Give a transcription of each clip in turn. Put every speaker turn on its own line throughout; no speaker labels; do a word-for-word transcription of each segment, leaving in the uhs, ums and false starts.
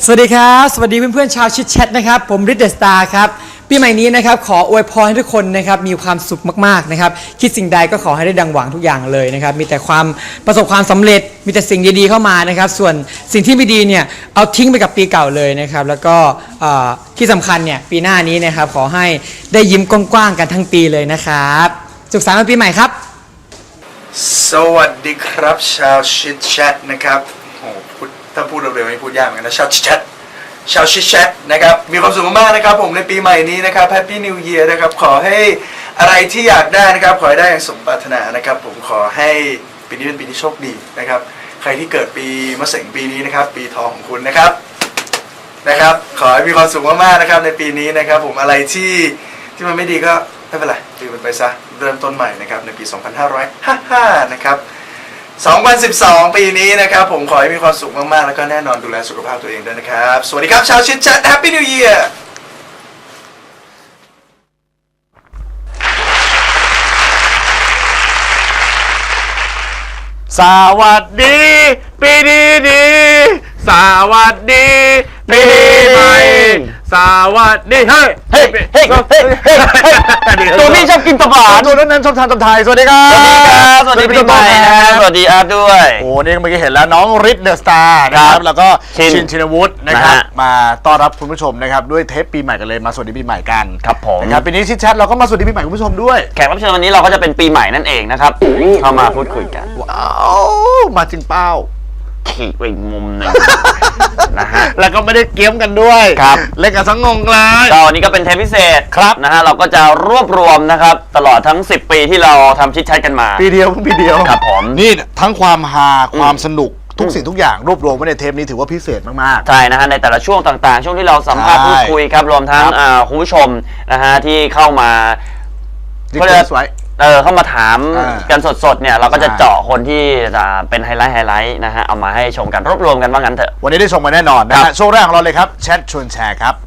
สวัสดีครับสวัสดีเพื่อนๆชาวชิดแชทนะครับผมริดเดอะสตาร์ครับปีใหม่นี้นะครับขออวยพรให้ทุกคนนะครับมีความสุขมากๆนะครับคิดสิ่งใดก็ขอให้ได้ดังหวังทุกอย่างเลยนะครับมีแต่ความประสบความสำเร็จมีแต่สิ่งดีๆเข้ามานะครับส่วนสิ่งที่ไม่ดีเนี่ยเอาทิ้งไปกับปีเก่าเลยนะครับแล้วก็ที่สำคัญเนี่ยปีหน้านี้นะครับขอให้ได้ยิ้มกว้างๆกันทั้งปีเลยนะครับสุขสันต์วันปีใหม่ครับ
สวัสดีครับชาวชิดแชทนะครับโอ้พูดถ้าพูดเร็วๆไม่พูดยากเหมือนกันนะชาวชิดแชทชาวชิดแชทนะครับมีความสุขมากๆนะครับผมในปีใหม่นี้นะครับแฮปปี้นิวเยียร์นะครับขอให้อะไรที่อยากได้นะครับขอให้ได้อย่างสมปรารถนานะครับผมขอให้ปีนี้เป็นปีที่โชคดีนะครับใครที่เกิดปีมะเสงปีนี้นะครับปีทองของคุณนะครับนะครับขอให้มีความสุขมากๆนะครับในปีนี้นะครับผมอะไรที่ที่มันไม่ดีก็ไม่เป็นไรลืมมันไปซะเริ่มต้นใหม่นะครับในปีสองพันห้าร้อยห้าสิบห้านะครับสองพันสิบสองปีนี้นะครับผมขอให้มีความสุขมากๆแล้วก็แน่นอนดูแลสุขภาพตัวเองด้วยนะครับสวัสดีครับชาวชิดแชทแฮปปี้นิวเยียร์
สวัสดีปีดีดีสวัสดีปีใหม่สวัสดีเฮ้ยเฮ้ยเฮ้ยเฮ้ยเฮ้ยตัวนี้ชอบกินตะบานตัวนั้นชอบทานตำไทยสวัสดีครับสวัสดีปีใหม่นะสวัสดีอาร์ตด้วยโอ้นี่เมื่อกี้เห็นแล้วน้องริดเดอะสตาร์นะครับแล้วก็ชินชินวุฒินะครับมาต้อนรับคุณผู้ชมนะครับด้วยเทปปีใหม่กันเลยมาสวัสดีปีใหม่กันครับผมนะครับปีนี้ชิดแชทเราก็มาสวัสดีปีใหม่คุณผู้ชมด้วยแขกรับเชิญวันนี้เราก็จะเป็นปีใหม่นั่นเองนะครับเข้ามาพูดคุยกันว้าวมาจริงเป้าขี่ไปอีกมุมหนึ่งนะฮะแล้วก็ไม่ได้เกี้ยมกันด้วยครับเล่นกันสังงงเลยก็วันนี้ก็เป็นเทปพิเศษครับนะฮะเราก็จะรวบรวมนะครับตลอดทั้งสิบปีที่เราทำชิดแชทกันมาปีเดียวปีเดียวครับผมนี่ทั้งความฮาความสนุกทุกสิ่งทุกอย่างรวบรวมไว้ในเทปนี้ถือว่าพิเศษมากๆใช่นะฮะในแต่ละช่วงต่างๆช่วงที่เราสัมภาษณ์พูดคุยครับรวมทั้งคุณผู้ชมนะฮะที่เข้ามาก็จะเออเข้ามาถามกันสดๆเนี่ยเราก็จะเจาะคนที่จะเป็นไฮไลท์ไฮไลท์นะฮะเอามาให้ชมกันรวบรวมกันว่างั้นเถอะวันนี้ได้ชมกันแน่นอนนะฮะช่วงแรกของเราเลยครับแชทชวนแชร์ครับ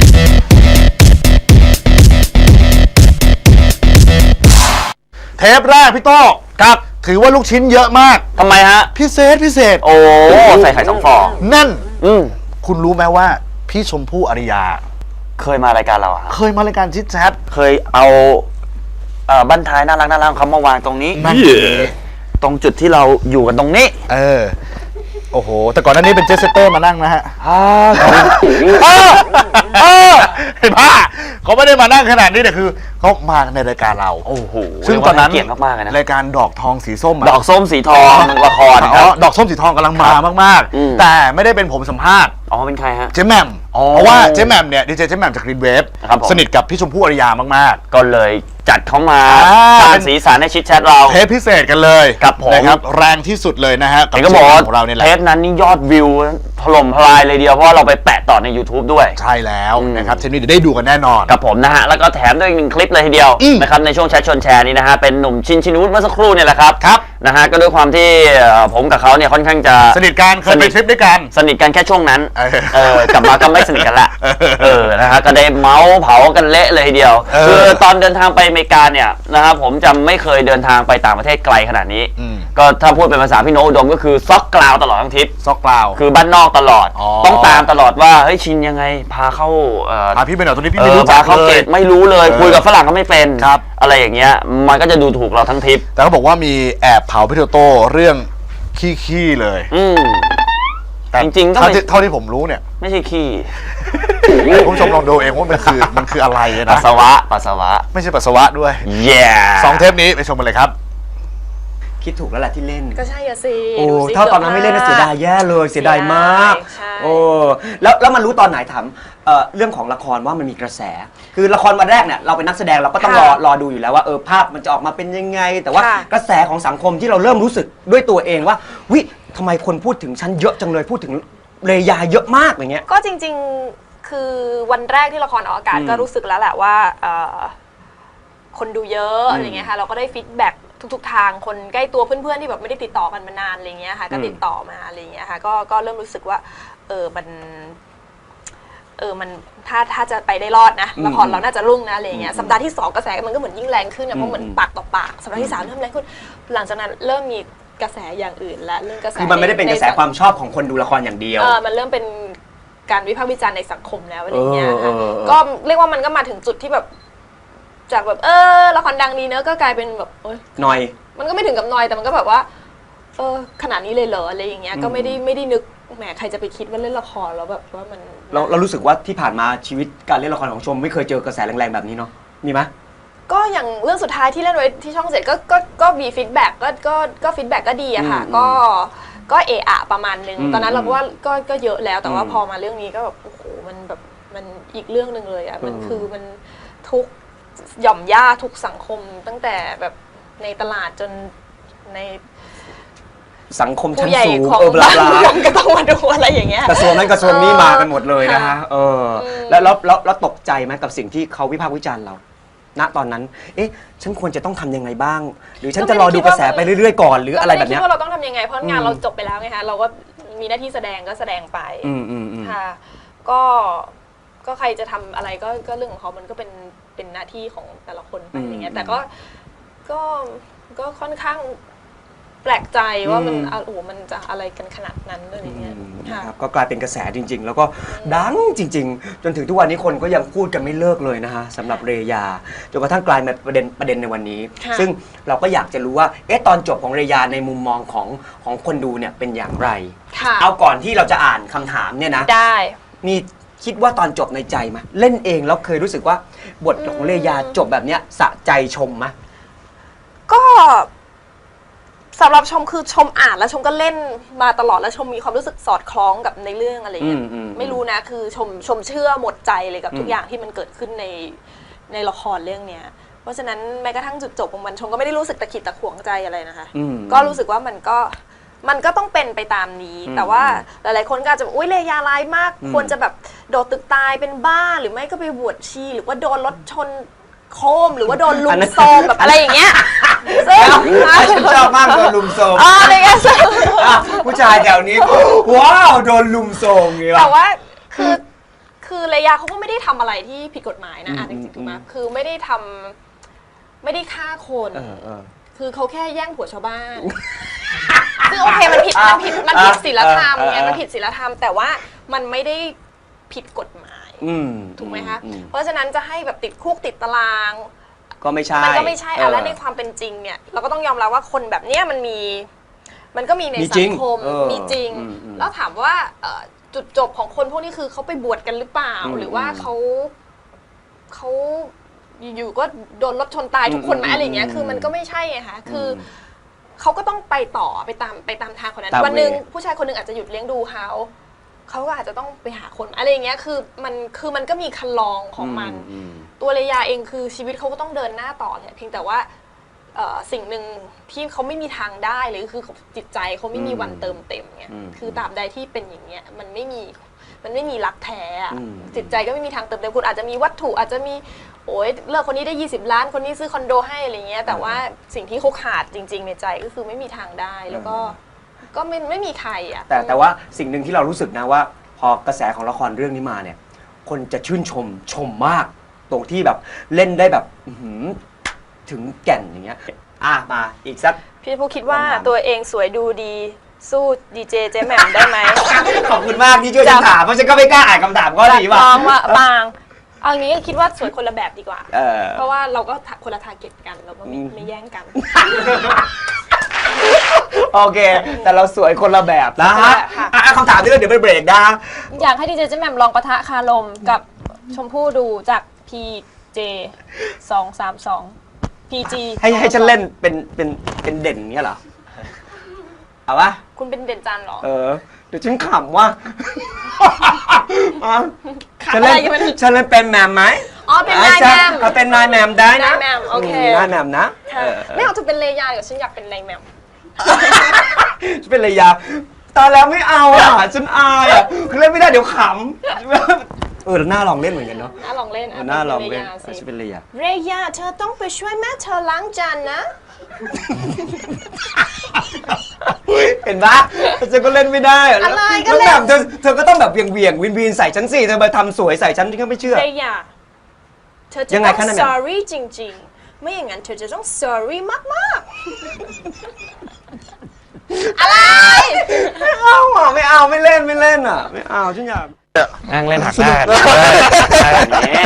เทปแรกพี่โต้ครับถือว่าลูกชิ้นเยอะมากทำไมฮะพิเศษพิเศษโอ้ใส่ไข่สองฟองนั่นอืมคุณรู้ไหมว่าพี่ชมพู่อริยาเคยมารายการเราอะเคยมารายการชิดแชทเคยเอาเอ่อบ้านท้ายน่ารักน่ารักเขามาวางตรงนี้ตรงจุดที่เราอยู่กันตรงนี้เออโอ้โหแต่ก่อนหน้านี้เป็นเจสเตอร์มานั่งนะฮะฮ่าเห็นป่ะเขาไม่ได้มานั่งขนาดนี้แต่คือเขามาในรายการเราโอ้โหซึ่งตอนนั้นเกียรติมากๆนะรายการดอกทองสีส้มดอกส้มสีทองละครอ๋อดอกส้มสีทองกำลังมามากๆแต่ไม่ได้เป็นผมสัมภาษณ์อ๋อเป็นใครฮะเจ๊แหม่มเพราะว่าเจ๊แหม่มเนี่ยดีเจเจ๊แหม่มจากกรีนเวฟสนิทกับพี่ชมพู่อริยามากๆก็เลยจัดเขามาสร้างสีสันในชิดแชทเราเทปพิเศษกันเลยครับผมนะครับแรงที่สุดเลยนะฮะกับก็บอกของเราเนี่ยแหละเทปนั้นนี่ยอดวิวถล่มทลายเลยเดียวเพราะเราไปแปะต่อใน YouTube ด้วยใช่แล้วนะครับเทปนี้เดี๋ยวได้ดูกันแน่นอนกับผมนะฮะแล้วก็แถมด้วยอีกหนึ่งคลิปเลยทีเดียวนะครับในช่วงแชทชวนแชร์นี้นะฮะเป็นหนุ่มชินชินวุฒิเมื่อสักครู่เนี่ยแหละครับครับนะฮะก็ด้วยความที่ผมกับเขาเนี่ยค่อนข้างจะสนิทกันเคยไปทริปด้วยกันสนิทกันแค่ช่วงนั้นเออกลับมาก็ไม่สนิทกันละเออนะฮะก็ได้เมาส์เผากันเละเลยทีเดียวคือตอนเดินทางไปอเมริกาเนี่ยนะครับผมจำไม่เคยเดินทางไปต่างประเทศไกลขนาดนี้ก็ถ้าพูดเป็นภาษาพี่โนอุดมก็คือซอกกล่าวตลอดทั้งทริปซอกกล่าวคือบ้านนอกตลอดต้องตามตลอดว่าเฮ้ยชินยังไงพาเข้าพาพี่ไปไหนตรงนี้พี่ไม่รู้จักเขาเกตไม่รู้เลยคุยกับฝรั่งก็ไม่เป็นอะไรอย่างเงี้ยมันก็จะดูถูกเราทั้งทริปแต่เขาบอกว่ามีแอบเผาพี่โตโต้เรื่องขี้ๆเลยแต่จริงๆเท่าที่ผมรู้เนี่ยไม่ใช่ขี้คุณผู้ชมลองดูเองว่ามันคือมันคืออะไรนะปัสสาวะปัสสาวะไม่ใช่ปัสสาวะด้วยแย่สองเทปนี้ไปชมกันเลยครับ
คิดถูกแล้วแหละที่เล่น
ก็ใช่อะสิ
โอ้ถ้าตอนนั้นไม่เล่นน่าเสียดายแย่เลยเสียดายมากโอ้แล้วแล้วมันรู้ตอนไหนถามเอ่อเรื่องของละครว่ามันมีกระแสคือละครวันแรกเนี่ยเราเป็นนักแสดงเราก็ต้องรอรอดูอยู่แล้วว่าเออภาพมันจะออกมาเป็นยังไงแต่ว่ากระแสของสังคมที่เราเริ่มรู้สึกด้วยตัวเองว่าวิทำไมคนพูดถึงฉันเยอะจังเลยพูดถึงเรยาเยอะมากอย่างเงี้ย
ก็จริงๆคือวันแรกที่ละครออกอากาศก็รู้สึกแล้วแหละว่าคนดูเยอะอะไรเงี้ยค่ะเราก็ได้ฟีดแบ็กทุกๆทางคนใกล้ตัวเพื่อนๆที่แบบไม่ได้ติดต่อกันมานานอะไรเงี้ยค่ะก็ติดต่อมาอะไรเงี้ยค่ะก็ก็เริ่มรู้สึกว่าเออมันเออมันถ้าถ้าจะไปได้รอดนะละครเราน่าจะรุ่งนะอะไรเงี้ยสัปดาห์ที่สองกระแสมันก็เหมือนยิ่งแรงขึ้นนะเพราะเหมือนปากต่อปากสัปดาห์ที่สามเริ่มแรงขึ้นหลังจากนั้นเริ่มมีกระแสอย่างอื่นและเรื่องกระแส
คือมันไม่ได้เป็นกระแสความชอบของคนดูละครอย่างเดียว
เออมันเริ่มเป็นการวิพากษ์วิจารณ์ในสังคมแล้วอะไรเงี้ยค่ะ
เออเออเออ
ก็เรียกว่ามันก็มาถึงจุดที่แบบจากแบบเออละครดังดีเนอะก็กลายเป็นแบบเอ้ย
หน่อย
มันก็ไม่ถึงกับนอยแต่มันก็แบบว่าเออขนาดนี้เลยเหรออะไรอย่างเงี้ยก็ไม่ได้ไม่ได้นึกแหมใครจะไปคิดว่าเล่นละครแล้วแบบว่ามัน
เราเรารู้สึกว่าที่ผ่านมาชีวิตการเล่นละครของชมไม่เคยเจอกระแสแรงๆแบบนี้เนาะมีไหม
ก็อย่างเรื่องสุดท้ายที่เล่นไว้ที่ช่องเจ็ดก็ก็ก็มีฟีดแบ็กก็ก็ก็ฟีดแบ็กก็ดีอะค่ะ
อืม
ก็ก็เอะอะประมาณนึง
อืม
ตอนนั้นเราก็ว่าก็ก็เยอะแล้วแต่ว่า
อืม
พอมาเรื่องนี้ก็แบบโอ้โหมันแบบมันอีกเรื่องหนึ่งเลยอะมัน
อืม
คือมันทุกหย่อมย่าทุกสังคมตั้งแต่แบบในตลาดจนใน
สังคมชั้
ผู้
น
ใหญ่
สูง
ของ
เออบลา
บ้าน
บลา
เมืองก็ต้องมาดูอะไรอย่างเงี้ย
กระทรวงนั้นกระทรวงนี้มากันหมดเลยนะฮะ
ค่ะ
เออ
อืม
แล้วแล้วแล้วแล้วตกใจไหมกับสิ่งที่เขาวิพากษ์วิจารณ์เรา ณตอนนั้น เอ๊ะ ฉันควรจะต้องทำยังไงบ้าง หรือฉันจะรอดูกระแสไปเรื่อยๆก่อนหรืออะไรแบบเนี้ย
ก็ไม่ได้คิดว่าเราต้องทำยังไงเพราะงาน
อืม
เราจบไปแล้วไงคะเราก็มีหน้าที่แสดงก็แสดงไป
อืมอืมอืม
ค่ะก็ก็ใครจะทำอะไรก็ก็เรื่องของเขามันก็เป็นเป็นหน้าที่ของแต่ละคนไปอย่างเงี้ยแต่ก็ก็ก็ค่อนข้างแปลกใจว่ามันอ่ะโอ้โหมันจะอะไรกันขนาดนั้นอะไรอย่างเงี้ย
อืม
ค่ะ
นะครับก็กลายเป็นกระแสจริง ๆ แล้วก็ดังจริง ๆ จนถึงทุกวันนี้คนก็ยังพูดกันไม่เลิกเลยนะฮะสำหรับเรยาจนกระทั่งกลายมาประเด็นประเด็นในวันนี้
ค่ะ
ซึ่งเราก็อยากจะรู้ว่าเอ๊ะตอนจบของเรยาในมุมมองของของคนดูเนี่ยเป็นอย่างไร
ค่ะ
เอาก่อนที่เราจะอ่านคำถามเนี่ยนะ
ได้
มีคิดว่าตอนจบในใจไหมเล่นเองแล้วเคยรู้สึกว่าบทของเรยาจบแบบเนี้ยสะใจชมไหม
ก็สำหรับชมคือชมอ่านแล้วชมก็เล่นมาตลอดแล้วชมมีความรู้สึกสอดคล้องกับในเรื่องอะไรอย่างเงี้ย
อืมอืม
ไม่รู้นะคือชมชมเชื่อหมดใจเลยกับทุ
อื
ก
ม
อย่างที่มันเกิดขึ้นในในละครเรื่องเนี้ยเพราะฉะนั้นแม้กระทั่งจุดจบของมันชมก็ไม่ได้รู้สึกตะขิดตะขวงใจอะไรนะคะ
อืม
ก็รู้สึกว่ามันก็มันก็ต้องเป็นไปตามนี้
อืม
แต่ว่าหลายๆคนก็อาจจะบอกอุ้ยเลยาร้ายมาก
อืม
ควรจะแบบโดดตึกตายเป็นบ้าหรือไม่ก็ไปบวชชีหรือว่าโดนรถชนโครมหรือว่าโดนลุมโซมแบบอะไรอย่างเงี้ยซึ่ง
ฉันชอบมากโดนลุมโซม
อ๋ออะไรเงี้ยซึ่ง
อ่ะผู้ชายแถวนี้ ว้าวโดนลุมโซมอย่างงี้
แต่
วะ
ว่าคือคือเลยาเขาก็ไม่ได้ทำอะไรที่ผิดกฎหมายนะอ่ะจ
อืม
ริงๆถูกไหม
อืม
คือไม่ได้ทำไม่ได้ฆ่าคน
เออเออ
คือเขาแค่แย่งผัวชาวบ้าน ซึ่งโอเคมันผิดมันผิดมันผิดศีลธรรม
เออเออ
ไงมันผิดศีลธรรม แต่ว่ามันไม่ได้ผิดกฎหมาย
อืม
ถูกไหมคะ
อืม
เพราะฉะนั้นจะให้แบบติดคุกติดตาราง
ก็ไม่ใช่
มันก็ไม่ใช่
เอ
อ่ะ
อ
และในความเป็นจริงเนี่ยเราก็ต้องยอมรับว่าคนแบบเนี้ยมันมี มันก็มีใน
มี
สั
จริ
ง
ง
คม
เออ
มีจริง
อืมอืม
แล้วถามว่าเอ่อจุดจบของคนพวกนี้คือเขาไปบวชกันหรือเปล่า
อืม
หรือว่าเขาเขาอยู่ๆก็โดนรถชนตายทุกคนไหม
อืม
อะไรเงี้ย
อืม
คือมันก็ไม่ใช่ไงคะคืออ
ม
เขาก็ต้องไปต่อไปตามไปตามทางคนนั้น
ตาม
วันหนึ่ง
เวย์
ผู้ชายคนหนึ่งอาจจะหยุดเลี้ยงดูเขาเขาก็อาจจะต้องไปหาคนอะไรอย่างเงี้ยคือมันคือมันก็มีคันลองของมัน
อืม
ตัวเลยาเองคือชีวิตเขาก็ต้องเดินหน้าต่อแหละเพียงแต่ว่าเอ่อสิ่งหนึ่งที่เขาไม่มีทางได้เลยคือจิตใจเขาไม่มีวันเติมเต็มเนี่ย
อืม
คือตราบใดที่เป็นอย่างเงี้ยมันไม่มีมันไม่มีรักแท้อะ
อืม
จิตใจก็ไม่มีทางเติมเต็มคุณอาจจะมีวัตถุอาจจะมีโอ้ยเลิกคนนี้ได้ยี่สิบล้านคนนี้ซื้อคอนโดให้อะไรเงี้ยแต่ว่าสิ่งที่เขาขาดจริง ๆ ในใจก็คือไม่มีทางได้แล้วก็ก็ไม่ไม่มีใครอ่ะ
แต่แต่ว่าสิ่งหนึ่งที่เรารู้สึกนะว่า พอกระแสของละครเรื่องนี้มาเนี่ย คนจะชื่นชมชมมาก ตรงที่แบบเล่นได้แบบอื้อหือถึงแก่นอย่างเงี้ยอ่ะมาอีกสัก
พี่ผู้คิดว่า
คำถาม
ตัวเองสวยดูดีสู้ดีเจเจแหม่มได้ไหม
ขอบคุณมากที่ช่วยฉันถามเพราะฉันก็ไม่กล้าอ่านคำถามข้อนี้ว่ะ
ลองว่าบางเอางี้คิดว่าสวยคนละแบบดีกว่า
เออ
เพราะว่าเราก็คนละทาร์เก็ตกันเราก็ไม่
อืม
ไม่แย่งกัน
โอเค แต่เราสวยคนละแบบนะฮะ
ค่ะ
อ่ะคำถามนี้เดี๋ยวไปเบรกนะ
อยากให้ดีเจเจแหม่มลองปะทะคารมกับชมพู่ดูจาก พี เจ สองสามสอง พี จี
ให้ให้ฉันเล่นเป็นเป็นเป็นเด่นเงี้ยเหรอ เอาปะ
คุณเป็นเด่นจันทร์เหรอ
เออ เดี๋ยวฉันขำว่า
ขำ
ฉัน
อะไร
เล่น
กันมัน
ฉันเล่นเป็นแมมไหม
อ๋อเป็นนายแมม
เอาเป็นนายแมมได้นะ
นายแมมโอเค
มนายแมมนะ
ค่ะ
เออ
ไม่เอาจะเป็นเลยาเดี๋ยวฉันอยากเป็นนายแมม
ฉันเป็นระยะตอนแล้วไม่เอาอ่ะฉันอายอ่ะคือเล่นไม่ได้เดี๋ยวขำเออแล้วน่าลองเล่นเหมือนกันเนาะ
น่าลองเล่น
เอ
อ่ะ
อน่าลองเล่น
ป็
เออ
สิ
ฉันเป็นระยะ
เรยาเธอต้องไปช่วยแม่เธอล้างจานนะ
เห็นปะฉันก็เล่นไม่ได้อะ
อะไรก็
แล้ว
เล่น
แบบเธอเธอก็ต้องแบบเวียงเวียงวินวินใส่ฉันสิเธอมาทำสวยใส่ฉันฉันก็ไม่เชื่อ
เรยาเธอจะ
ยังไง
ต้อง
คะนั่นน่ะ
sorry จริงๆ ไม่อย่างนั้นเธอจะต้อง sorry มากๆ อะไร
ไม่เอาอ่ะไม่เอาไม่เล่นไม่เล่นอ่ะไม่เอาฉันอยาก
นั่งเล่นหักหน้ากันแบบนี้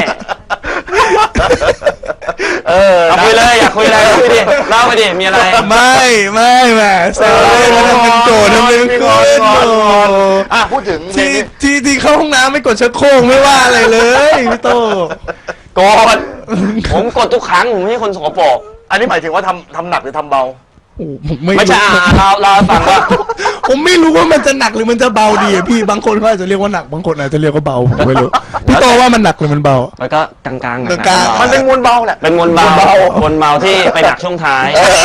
เออเอาคุยเลยอยากคุยอะไรคุยดิเล่าไปดิมีอะไร
ไม่ไม่แหมแซวเล่นแล้วทำเป็นโกรธทำเป็นโกรธ
อ่ะพูดถึงเพลง
ที่
นี้
ที่ที่เข้าห้องน้ำไม่กดชักโครกไม่ว่าอะไรเลยพี่โต
กดผมกดทุกครั้งผมไม่ใช่คนสกปรก
อันนี้หมายถึงว่าทำทำหนักหรือทำเบา
โอ้ผมไม่
ไม่ใช่อ่าเราเราฟังว่า
ผมไม่รู้ว่ามันจะหนักหรือมันจะเบาดีอะพี่บางคนเขาอาจจะเรียกว่าหนักบางคนอาจจะเรียกว่าเบาผมไม่รู้พี่โตว่ามันหนักหรือมันเบา
แล้วก็กลางๆหนั
กลางๆ
มันเป็นมวลเบาแหละ
เป็นมวลเบามวลเบาที่ไปหนักช่วงท้าย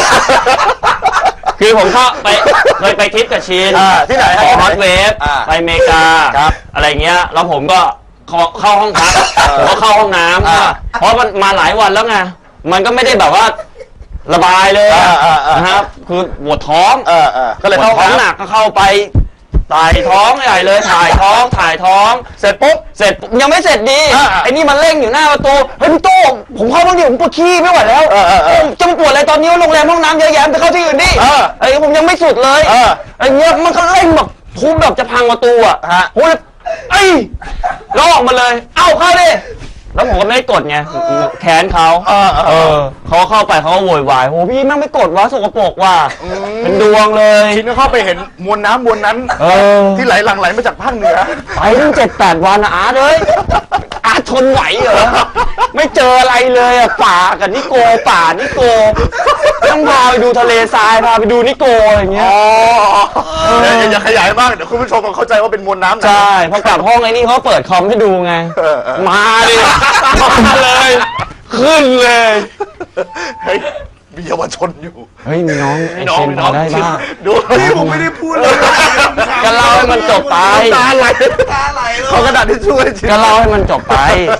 คือผมเข้าไปเคยไปทริปกับชิน
อ่าที่ไหนฮะ
ฮอตเวฟ
อ่า
ไปอเมริกา
ครับ
อะไรเงี้ยแล้วผมก็เข้าเข้าห้องพักผมก็เข้าห้องน้
อ่า
ำเพราะมันมาหลายวันแล้วไงมันก็ไม่ได้แบบว่าระบายเลย
อ่าอ่าอ่าน
นะครับคือปวดท้อง
เออเออก็เลย
ปว
เข้า
ดท้องหนักก็เข้าไปถ่ายท้องใหญ่เลยถ่ายท้องถ่ายท้อง เสร็จปุ๊บเสร็จปุ๊บยังไม่เสร็จดี
อ่า
ไอ้นี่มันเร่งอยู่หน้าประตูเฮ้ยพี่โต้งผมเข้าบ้างดิผมปวดขี้ไม่ไหวแล้ว
เออเออเออ
จะมาปวดอะไรตอนนี้โรงแรมห้องน้ำเยอะแยะไปเข้าที่อื่นดิ
เออ
ไอ้ผมยังไม่สุดเลย
เออ
ไอ้เงี้ยมันก็เร่งแบบทุบแบบจะพังประตูอ่ะ
ฮะ
โอ้ยไอ้ยแล้วออกมาเลย เอ้าเข้าดิแล้วผมก็ไม่ได้กดไงแค้นเขา
เออเออ
เออเขาเข้าไปเขาก็โวยวายโอ้พี่แม่งไม่กดวะสกปรกว่ะเป็นดวงเลย
ชินก็เข้าไปเห็นมวลน้ำมวลนั้น
เออ
ที่ไหลหลั่งไหลมาจากภาคเหนือ
ไปตั้งเจ็ดแปดวันนะอาร์ตเอ้ยอาร์ตทนไหวเหรอไม่เจออะไรเลยอ่ะป่ากับนิโกป่านิโกต้องพาไปดูทะเลทรายพาไปดูนิโกอะไรอย่างเงี้ย
อ๋ออย่าอย่าอย่าขยายมากเดี๋ยวคุณผู้ชมเข้าใจว่าเป็นมวลน้ำนะ
ใช่พอกลับห้องไอ้นี่เขาเปิดคอมให้ดูไง
เออเออ
มาดิมาเลย ขึ้นเลย
เฮ้ยมีเยาวชนอยู่
เฮ้ยมีน้องไอ้
น้อง
เซน
น้
พ
อ
อง ได้บ้าง
ดูผมไม่ได้พูดเลย
ก็เล่าให้มันจบไป
ตาไหลตาไหลเขากระดาษที่ช่วยชิน
ก็เล่าให้มันจบไป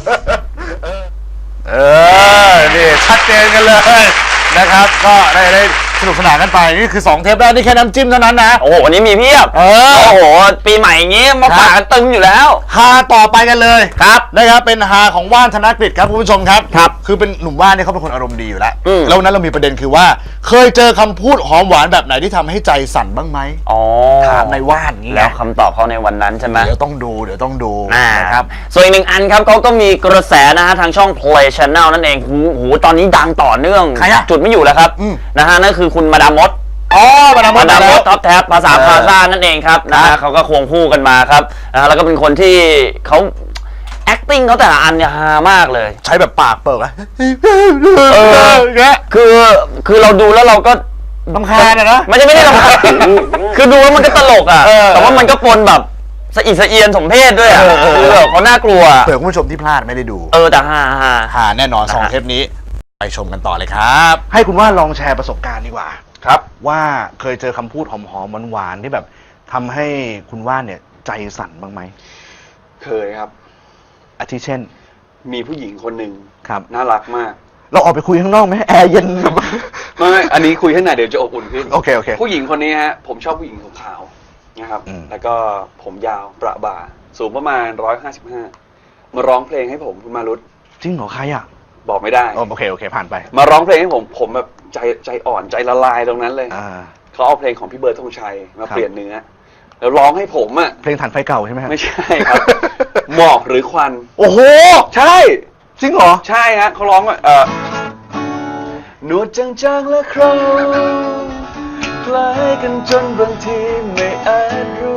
เออ นี่ชัดเจนกันเลยนะครับ ก็ได้ได้สนุกสนานกันไป นี่คือสองเทปแรกนี่แค่น้ำจิ้มเท่านั้นนะ
โอ้โหวันนี้มีเพียบ
เออ
โอ้โห ปีใหม่อย่างงี้มาฝากกันตึงอยู่แล้ว
ฮาต่อไปกันเลย
ครับ
นะครับเป็นฮาของว่านธนกฤษครับคุณผู้ชมครับ
ครับ
คือเป็นหนุ่มว่านเนี่ยเขาเป็นคนอารมณ์ดีอยู่แล้ว
อืม
แล้ววันนั้นเรามีประเด็นคือว่า เคยเจอคำพูดหอมหวานแบบไหนที่ทำให้ใจสั่นบ้างไหม
อ๋อ
ถามในว่านอย่างงี้
แล้วคำตอบเขาในวันนั้นใช่ไหม
เดี๋ยวต้องดูเดี๋ยวต้องดู
อ่า
นะครับ
ส่วนอีกหนึ่งอันครับเขาก็มีกระแสนะฮะทางช่อง Play Channel นั่นเองหูหูตอนนี้ดังต่อเนื่อง
ใครอะ
จุดไม่อยู่แล้วครับ
อืม
นะฮะนั่นคือคุณมาดามมด
อ๋อมาดามม
มา
ด
ดามม
แล้ว
ดท็อปแท็บภาษา
เออ
พาซ่านั่นเองครับนะ
ครั
ฮะ
บ
เขาก็ควงคู่กันมาครับนะฮะแล้วก็เป็นคนที่เขา acting เขาแต่ละอันเนี่ยฮามากเลย
ใช้แบบปากเปิดอะ
เออ
เงี้ย
คือคือเราดูแล้วเราก็
รำคาญอะนะ
ไม่ใช่ไม่ได้รำคาญ คือดูแล้วมันก็ตลกอ่ะ
เออ
แต่ว่ามันก็ปนแบบสะอิดสะเอียนสมเพศด้วยอ่ะ
เออเออ
คือแบบเขาน่ากลัว
เผื่อคุณผู้ชมที่พลาดไม่ได้ดู
เออแต่ฮาฮา
หาแน่นอนสอง
นะฮะ
เทปนี้ ไปชมกันต่อเลยครับ ให้คุณว่าลองแชร์ประสบการณ์ดีกว่าครับ ว่าเคยเจอคำพูดหอมๆหวานๆที่แบบทำให้คุณว่าเนี่ยใจสั่นบ้างไหม
เคยครับ
อาทิเช่น
มีผู้หญิงคนหนึ่ง
ครับ
น่ารักมาก
เราออกไปคุยข้างนอกไหมแอร์เย็น
ไม่ไม่อันนี้คุยข้างในเดี๋ยวจะอบอุ่นขึ้น
โอเคโอเค
ผู้หญิงคนนี้ฮะ ผมชอบผู้หญิงขาวๆนะครับ
อืม
แล้วก็ผมยาวประบ่า สูงประมาณร้อยห้าสิบห้ามาร้องเพลงให้ผมคุณมารุต
จริงเหรอใครอ่ะ
บอกไม่ได้
อ๋อโอเคโอเคผ่านไป
มาร้องเพลงให้ผม ผมแบบใจใจอ่อนใจละลายตรงนั้นเลย
อ่า
เขาเอาเพลงของพี่เบิร์ดธงชัยมา
ครับ
เปลี่ยนเนื้อ แล้วร้องให้ผมอ่ะ
เพลงฐานไฟเก่าใช่ไหมฮะ
ไม่ใช่ครับ หมอกหรือควัน
โอ้โห
ใช่
จริงเหรอ
ใช่ฮะเขาร้องว่าเออหนวดจางๆและโครงคล้ายกันจนบางทีไม่อาจรู้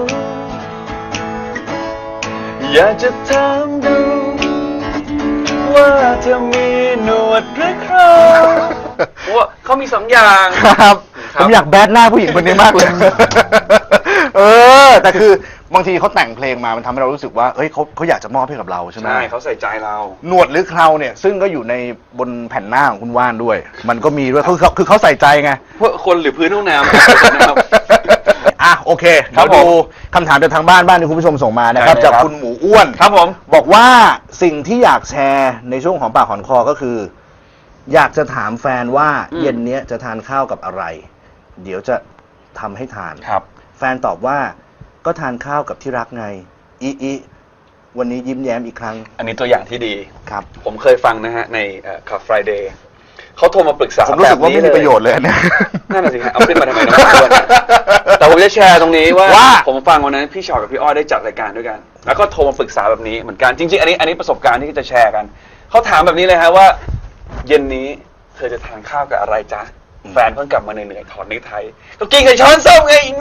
อยากจะถามดู ว่าเธอมีหนวดหรือโครงว่าเขามีสองอย่าง
ครับ
ครับ
ผมอยากแบดหน้าผู้หญิงคนนี้มากเลย เออ แต่คือบางทีเขาแต่งเพลงมามันทำให้เรารู้สึกว่าเอ้ยเขาเขาอยากจะมอบให้กับเราใช่ไหม
ใช่เขาใส่ใจเรา
หนวดหรือเคราเนี่ย ซึ่งก็อยู่ในบนแผ่นหน้าของคุณว่านด้วย มันก็มีด้วยคือเขาคือเขาใส่ใจไง
พวกคนหรือพื้นห้องน้ำนะครับ
อ่ะโอเค
ครั
เรา
บผม
ดูคำถามจากทางบ้านบ้านที่คุณผู้ชมส่งมานะครับ
ได้เลย
จาก
ครับ
คุณหมูอ้วน
ครับผม
บอกว่าสิ่งที่อยากแชร์ในช่วงของปากหอนคอก็คือ อยากจะถามแฟนว่าเย็นเนี้ยจะทานข้าวกับอะไร เดี๋ยวจะทำให้ทาน
ครับ
แฟนตอบว่าก็ทานข้าวกับที่รักไงอีอีวันนี้ยิ้มแย้มอีกครั้ง
อันนี้ตัวอย่างที่ดี
ครับ
ผมเคยฟังนะฮะในคาเฟ่ Friday เขาโทรมาปรึกษา
ผมรู้สึกว่าไม่มีประโยชน์เลยอันเนี่ย
นั่นน่ะสิฮะเอาขึ้นมาทำไมนะแต่ผมจะแชร์ตรงนี้ว่า
ว่า
ผมฟังวันนั้นพี่ชอตกับพี่อ้อยได้จัดรายการด้วยกัน แล้วก็โทรมาปรึกษาแบบนี้เหมือนกันจริงๆอันนี้อันนี้ประสบการณ์ที่จะแชร์กันเขาถามแบบนี้เลยฮะว่า เย็นนี้เธอจะทานข้าวกับอะไรจ๊ะแฟนเพิ่งกลับมาเหนื่อยๆถอดเนคไทก็กินกับช้อนส้มไงอีโง่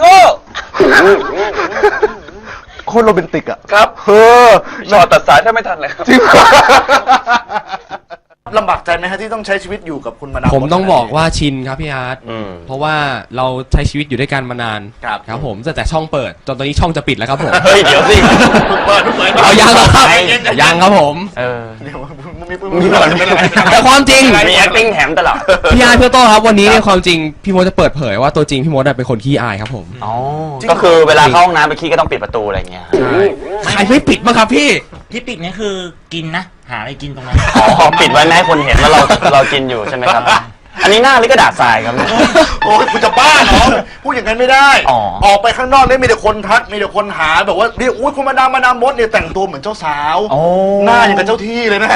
โคตรโรแมนติกอ่ะ
ครับ
เออ
ชอตตัดสายถ้าไม่ทันเลยครับ
จริงลำบากใจไหมฮะที่ต้องใช้ชีวิตอยู่กับคุณมาดาม
ผมต้องบอกว่าชินครับพี่อาร์ต
อืม
เพราะว่าเราใช้ชีวิตอยู่ด้วยกันมานาน
ครับ
ครับผมตั้งแต่ช่องเปิดจนตอนนี้ช่องจะปิดแล้วครับผม
เฮ้ยเดี๋ยวสิ
เปิดเปิด
เอายังเหรอครับยังครับผม
เออ
เดี๋ยวมึงมีมึงมีก่อน
แต่ความจริง
มี acting แถมตลอด
พี่อาร์ตพี่โต้ครับวันนี้เนี่ยความจริงพี่มดจะเปิดเผยว่าตัวจริงพี่มดเป็นคนขี้อายครับผม
อ๋อ ก็คือเวลาเข้าห้องน้ำไปขี้ก็ต้องปิดประตูอะไรอย่างเงี้ย
ใครไม่ปิดบ้างครับพี่
ที่ปิดนี่คือกินนะ หาอะไรกินตรงนั้น
อ๋อ ปิดไว้ไม่ให้คนเห็นว่าเราเรากินอยู่ใช่ไหมครับ อันนี้หน้าหรือกระดาษทรายครับเนี่ย
โอ้ยคุณจะบ้าเหรอพูดอย่างนั้นไม่ได้
อ๋อ
ออกไปข้างนอกเนี่ยมีแต่คนทักมีแต่คนหาแบบว่านี่อุ้ยคุณมาดามมาดามมดเนี่ยแต่งตัวเหมือนเจ้าสาว
โอ้
หน้าอย่างกับเจ้าที่เลยนะ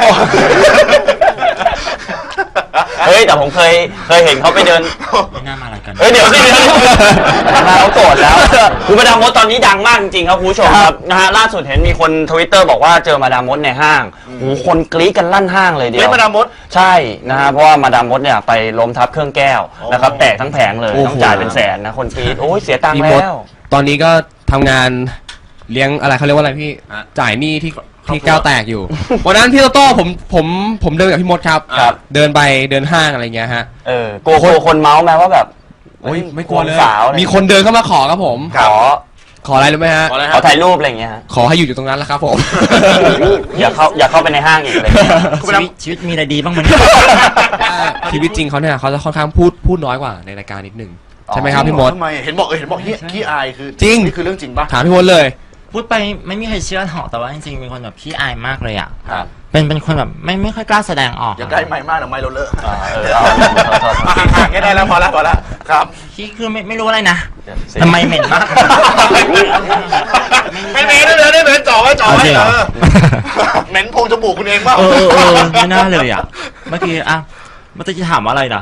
เฮ้ยแต่ผมเคยเคยเห็นเขาไปเดิน
ไม่น่ามาอะไรกัน
เฮ้ยเดี๋ยวสิเดี๋ยวมาเขาโกรธแล้วคือมาดามมดตอนนี้ดังมากจริงๆครับคุณผู้ชมครับนะฮะล่าสุดเห็นมีคนทวิตเตอร์บอกว่าเจอมาดามมดในห้างโอ้โหคนกรี๊ดกันลั่นห้างเลยเดียว
เฮ้ยมาดามมด
ใช่นะฮะเพราะว่ามาดามมดเนี่ยไปล้มทับเครื่องแก้วนะครับแตกทั้งแผงเลย
โอ้โห
ต้องจ่ายเป็นแสนนะคนกรี๊ดโอ้ยเสียตังค์
พี่มด
แล้ว
ตอนนี้ก็ทำงานเลี้ยงอะไรเขาเรียกว่าอะไรพี่จ่ายหนี้ที่ที่แก้วแตกอยู่ วันนั้นพี่โตโต้ผมผมผมเดินกับพี่มดครับ
ครับ
เดินไปเดินห้างอะไรเงี้ยฮะ
เออโกลัวกลัวคนเมาส์ไหมว่าแบบ
โอ้ยไม่กลัวเลย
สาวอะไร
มีคนเดินเข้ามาขอครับผม
ขอ
ขออะไรรู้ไหมฮะ
ขอถ่ายรูปอะไรอย่างเงี้ยฮะ
ขอให้อยู่อยู่ตรงนั้นแหละครับผม
อย่าเข้าอย่าเข้าไปในห้างอีกอะไรอย่างเงี้ย
ชีวิตชีวิตมีอะไรดีบ้างมั้ยเนี่ย
ชีวิตจริงเขาเนี่ยเขาจะค่อนข้างพูดพูดน้อยกว่าในรายการนิดหนึ่งใช่ไหมครับพี่มด
ทำไมเห็นบอกเออเห็นบอกเฮียขี้อายคือ
จริง
นี่คือเรื่องจริงปะ
ถามพี่มดเลย
พูดไปไม่มีใครเชื่อหรอกแต่ว่าจริงๆเป็นคนแบบขี้อายมากเลยอ่ะ
ครับ
เป็นเป็นคนแบบไม่ไม่ค่อยกล้าแสดงออก
อย่าใกล้ไม้มากเดี๋ยวไม้เราเลอะ
อ่าเออเอาโทษโทษโทษ
ห่างๆแค่ได้แล้วพอแล้วพอแล้วครับ
ขี้คือไม่ไม่รู้อะไรนะ
เสีย
ทำไมเหม็นมาก
ไม่เหม็นได้เลยได้เหม็นจ่อไว้จ่อไว้
เอาจริงเหรอ
เออเหม็นโพรงจมูกคุณเองเปล่า
เออเออเออไม่น่าเลยอ่ะ เมื่อกี้อ่ะเมื่อกี้จะถามว่าอะไรนะ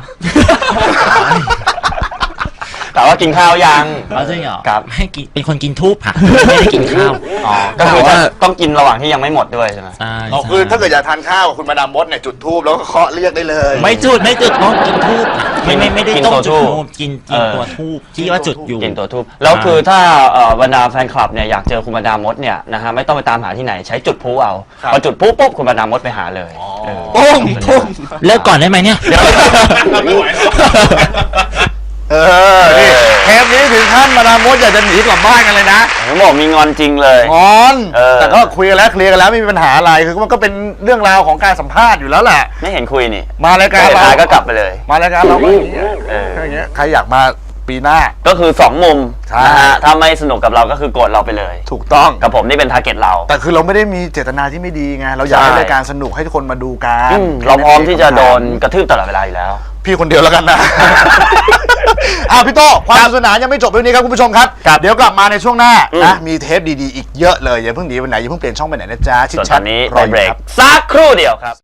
แต่ว่ากินข้าวยัง
เอาจริงเหรอ
ครับ
ให้กินเป็นคนกินทูบค่ะ ไม่ได้กินข้าว
อ๋อก็คือว่าต้องกินระหว่างที่ยังไม่หมดด้วยใช่ไหม
ใช่
อ๋อคือถ้าเกิดอยากทานข้าวกับคุณมาดามมดเนี่ยจุดธูปแล้วก็เคาะเรียกได้เลย
ไม่จุดไม่จุดต้องกินทูบไม่ไม่ไม่ได้
กิน
ต้อง
ตัว
จุด
ธูป
ทูบกินกินตัวทูบที่ว่าจุดอยู่
กินตัวทูบแล้วคือถ้าเอ่อบรรดาแฟนคลับเนี่ยอยากเจอคุณบรรดามดเนี่ยนะฮะไม่ต้องไปตามหาที่ไหนใช้จุดพลุเอาพอจุดพลุปุ๊บคุณบรรดามดไปหาเลยเออ
โป้งโป้ง
เลิกก่อนได้ไหมเนี่ย
ไม่ไหวแล้วเออนี่เทปนี้ถึงขั้นมาดามมดอยากจะหนีกลับบ้านกันเลยนะ
ผมบอกมีงอนจริงเลย
งอน
เออ
แต่ก็คุยกันแล้วเคลียร์กันแล้วไม่มีปัญหาอะไรคือมันก็เป็นเรื่องราวของการสัมภาษณ์อยู่แล้วแหละ
ไม่เห็นคุยนี่
มารายการ
สุด
เรา
ท้ายก็กลับไปเลย
มารายการเราก็อย่างเงี้ย
เออ
แค่อย่างเงี้ยใครอยากมาปีหน้า
ก็คือสองมุม
ใช่
นะฮะถ้าไม่สนุกกับเราก็คือโกรธเราไปเลย
ถูกต้อง
กับผมนี่เป็นทาร์เก็ตเรา
แต่คือเราไม่ได้มีเจตนาที่ไม่ดีไงเราอยากให้
ใช่
รายการสนุกให้ทุกคนมาดูกัน
อืมเราพร้อมที่จะโดนกระทืบตลอดเวลาอยู่แล้ว
พี่คนเดียวแล้วกันนะ อ้าวพี่โต้ความสนุกสนานยังไม่จบเรื่องนี้ครับคุณผู้ชมครับ เดี๋ยวกลับมาในช่วงหน้า
อืม
นะมีเทปดีๆอีกเยอะเลยอย่าเพิ่งหนีไปไหนอย่าเพิ่งเปลี่ยนช่องไปไหนนะจ๊ะชิด
ส่วนต
ชั
อ
ด
นนี้
รอ
ไป
อยู่
เบรก
ครับ
สักครู่เดียวครับ